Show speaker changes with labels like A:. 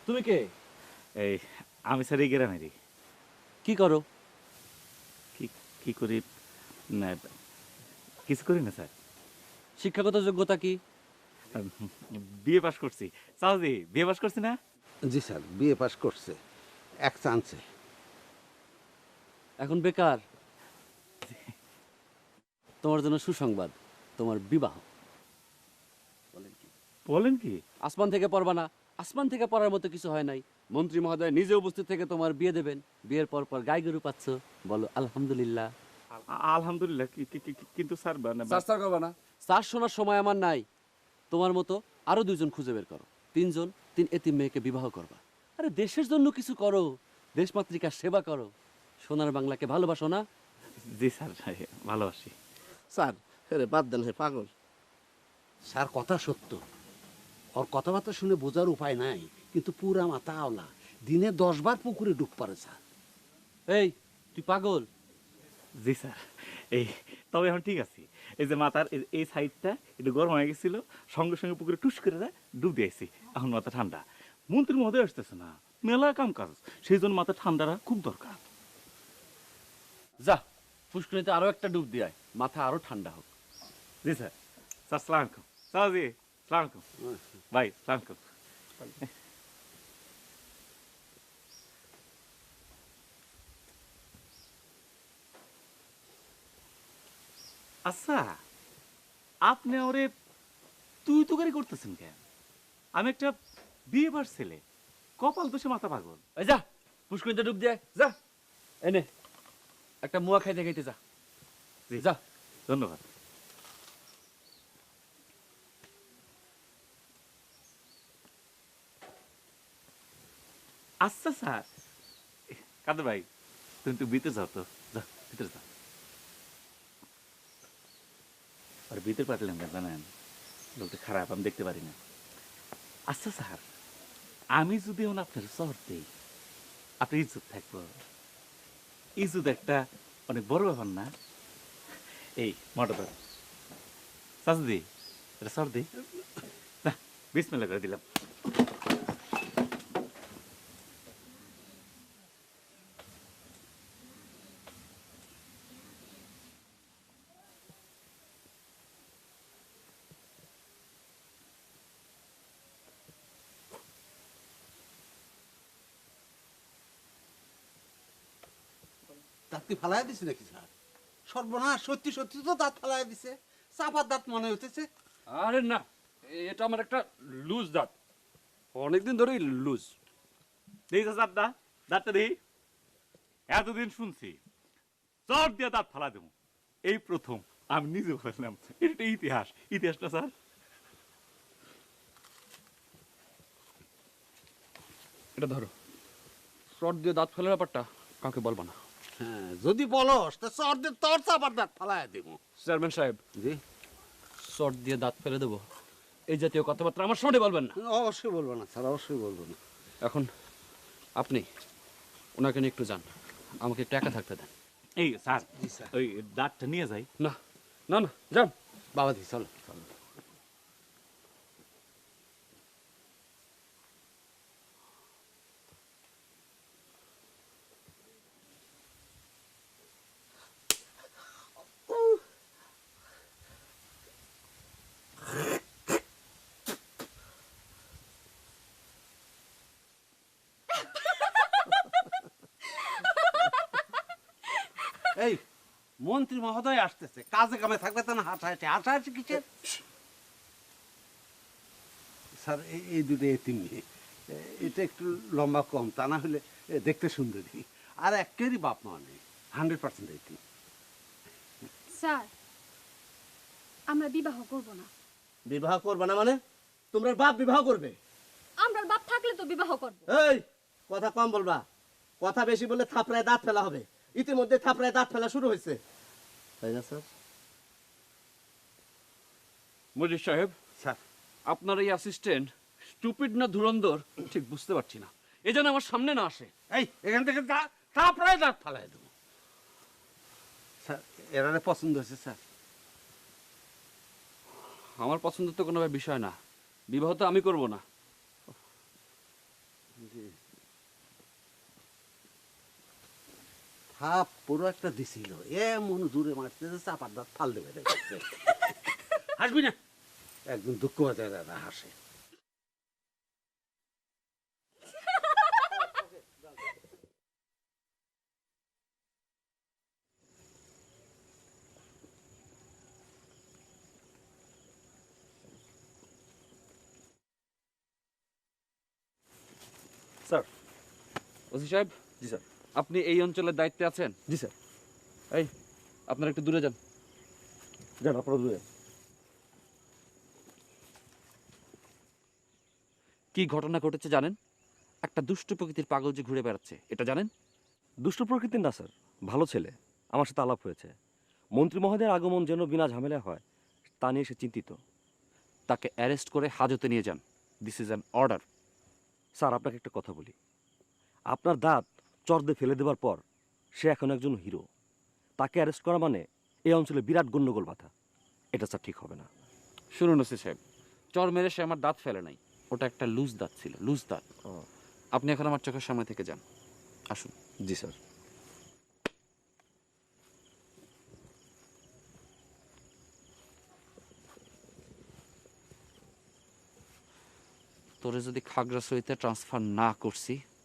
A: তুমি কে?
B: এই আমি স্যার এই গ্রামেরই।
A: কি করো?
B: কি কি করি না, কিছু করি না স্যার।
A: শিক্ষাগত যোগ্যতা কি?
B: বিএ পাস করছি। চাওজি বিএ পাস করছি না?
C: জি স্যার, বিএ পাস করছে এক চান্সে।
A: এখন বেকার। তোমার জন্য সুসংবাদ, তোমার বিবাহ।
B: বলেন কি?
A: আসমান থেকে পড়বা না, আসমান থেকে পড়ার মতো কিছু হয় নাই। মন্ত্রী মহোদয় নিজে উপস্থিত থেকে তোমার বিয়ে দেবেন। বিয়ের পর পর গাই গরু পাচ্ছ, বলো আলহামদুলিল্লাহ।
B: আলহামদুলিল্লাহ। কিন্তু স্যার
A: স্যার করবা না। স্যার শোনার সময় আমার নাই। তোমার মতো আরো 2জন খুঁজে বের করো, 3জন, 3 এতিম মেয়েকে বিবাহ করবা। আরে দেশের জন্য কিছু করো, দেশমাতৃকার সেবা করো। সোনার বাংলাকে ভালোবাসো না?
B: জি স্যার, ভালোবাসি।
D: স্যার রে বাদ দেন, হে পাগল।
C: স্যার কথা সত্য, ওর কথাবার্তা শুনে বোঝার উপায় নাই, কিন্তু পুরা মাথা আওলা। দিনে 10 বার পুকুরে ডুব পারে স্যার।
A: এই, তুই পাগল?
B: জি স্যার। এই তবে এখন ঠিক আছে। এই যে মাথার এই সাইডটা একটু গরম হয়ে গেছিল, সঙ্গে সঙ্গে পুকুরে টুস করে ডুব দিয়েছি। এখন মাথা ঠান্ডা। মন্ত্রী মহোদয় আসতেছে না, মেলা কাম কাজ, সেই জন্য মাথা ঠান্ডাটা খুব দরকার।
A: যা, পুষ্করিণীতে আরো একটা ডুব দিয়ে আয়, মাথা আরো ঠান্ডা হোক।
B: জি স্যার। স্যার সালাম আলাইকুম। স্যার জি সালাম আলাইকুম। ভাই সালাম আলাইকুম। আচ্ছা, আপনি ওরে তুই তো গাড়ি করতেছেন কেন? আমি একটা বিয়ে বার ছেলে, কপাল দোষে মাথা পাগল।
A: এই যা, পুষ্করিণীতে ডুব দিয়ে আয়, যা। এনে একটা মুয়া খাইতে খাইতে যা।
B: জি
A: যা।
B: ধন্যবাদ। আচ্ছা স্যার, কাদের ভাই তুমি একটু ভিতরে যাও তো, যা ভিতরে যাও। আর ভিতরে পাঠালাম কেন জানেন? লোকটা খারাপ, আমি দেখতে পারি না। আচ্ছা স্যার, আমি যদি এখন আপনার শহর দিই, আপনার ইজ্জত থাকবো। ইজ্জত একটা অনেক বড় ব্যাপার না? এই মোটর চাচদি, এটা সর দিই না, বিসমিল্লাহ করে দিলাম।
C: দাঁত কি ফালাই দিছে নাকি স্যার? সর্বনাশ, সত্যি সত্যি তো দাঁত ফালাই দিছে। চাপার দাঁত মনে হইতেছে।
A: আরে না, এটা আমার একটা লুজ দাঁত, অনেকদিন ধরেই লুজ।
B: দেই চাচা দাঁতটা দেই। এতদিন শুনছি চট দিয়ে দাঁত ফালা দেবো, এই প্রথম আমি নিজে বললাম। এটা ইতিহাস, ইতিহাসটা স্যার।
A: এটা ধরো, শর্ট দিয়ে দাঁত ফেলার ব্যাপারটা কাউকে বলবো না।
C: হ্যাঁ, যদি বলস তা চর দিয়ে তোর চাপার দাঁত ফালাই দেবো।
A: চেয়ারম্যান সাহেব,
C: জি,
A: শর্ট দিয়ে দাঁত ফেলে দেবো, এই জাতীয় কথাবার্তা আমার সামনে বলবেন না।
C: অবশ্যই বলবো না স্যার, অবশ্যই বলবো না।
A: এখন আপনি ওনাকে নিয়ে একটু যান, আমাকে একটু একা থাকতে দেন।
B: এই স্যার,
C: জি স্যার।
B: ওই দাঁতটা নিয়ে যাই।
A: না না না, যান।
C: বাবাজি চলো চলো। এই মন্ত্রী মহোদয় আসতেছে, কাজে কামে থাকবে তা না হাঁটাহাঁটি। হাঁটাহাঁটি কিসের? স্যার এই দুটো এতিম মেয়ে, এটা একটু লম্বা কম, তা না হলে দেখতে সুন্দরী। আর একেরই বাপ মা নেই, 100% এতিম।
E: স্যার, আমরা বিবাহ করব না।
D: বিবাহ করবে না মানে? তোমরা বাপ বিবাহ করবে?
E: আমরা বাপ থাকলে তো বিবাহ করব।
D: এই কথা কম বলবা, কথা বেশি বললে থাপড়ায় দাঁত ফেলা হবে। ইতিমধ্যে থাপড়ায় দাঁত ফেলা শুরু হয়েছে, তাই না স্যার?
A: মজিদ সাহেব,
C: স্যার,
A: আপনার এই অ্যাসিস্ট্যান্ট স্টুপিড না ধুরন্ধর ঠিক বুঝতে পারছি না, এই জন্য আমার সামনে না আসে।
C: এই এখান থেকে তারপরে দাঁত ফালাই দেবো। স্যার, এরারে পছন্দ হয়েছে স্যার।
A: আমার পছন্দ তো কোনো বিষয় না, বিবাহ তো আমি করব না।
C: থাপ পুরো একটা দিছিল এমন জোরে মারতে যে চাপার দাঁত ফাল দেবে হাসবি না একদম দুঃখ হতে দাদা হাসে।
F: স্যার।
A: ওসি সাহেব,
F: জি স্যার।
A: আপনি এই অঞ্চলের দায়িত্বে আছেন?
F: জি স্যার।
A: এই, আপনারা একটু দূরে যান।
F: যান আপনারা দূরে।
A: কি ঘটনা ঘটেছে জানেন? একটা দুষ্ট প্রকৃতির পাগল যে ঘুরে বেড়াচ্ছে, এটা জানেন?
F: দুষ্ট প্রকৃতির না স্যার, ভালো ছেলে। আমার সাথে আলাপ হয়েছে। মন্ত্রী মহোদয়ের আগমন যেন বিনা ঝামেলা হয় তা নিয়ে সে চিন্তিত।
A: তাকে অ্যারেস্ট করে হাজতে নিয়ে যান। This is an order.
F: Sir আপনাকে একটা কথা বলি, আপনার দাঁত চর দিয়ে ফেলে দেওয়ার পর সে এখন একজন হিরো। তাকে অ্যারেস্ট করা মানে এই অঞ্চলে বিরাট গণ্ডগোল বাধা। এটা স্যার ঠিক হবে না।
A: শুনুন ওসি সাহেব, চর মেরে সে আমার দাঁত ফেলে নাই, ওটা একটা লুজ দাঁত ছিল, লুজ দাঁত। আপনি এখন আমার চোখের সামনে থেকে যান, আসুন।
F: জি স্যার।
A: তোরে যদি খাগড়াছড়িতে ট্রান্সফার না করছি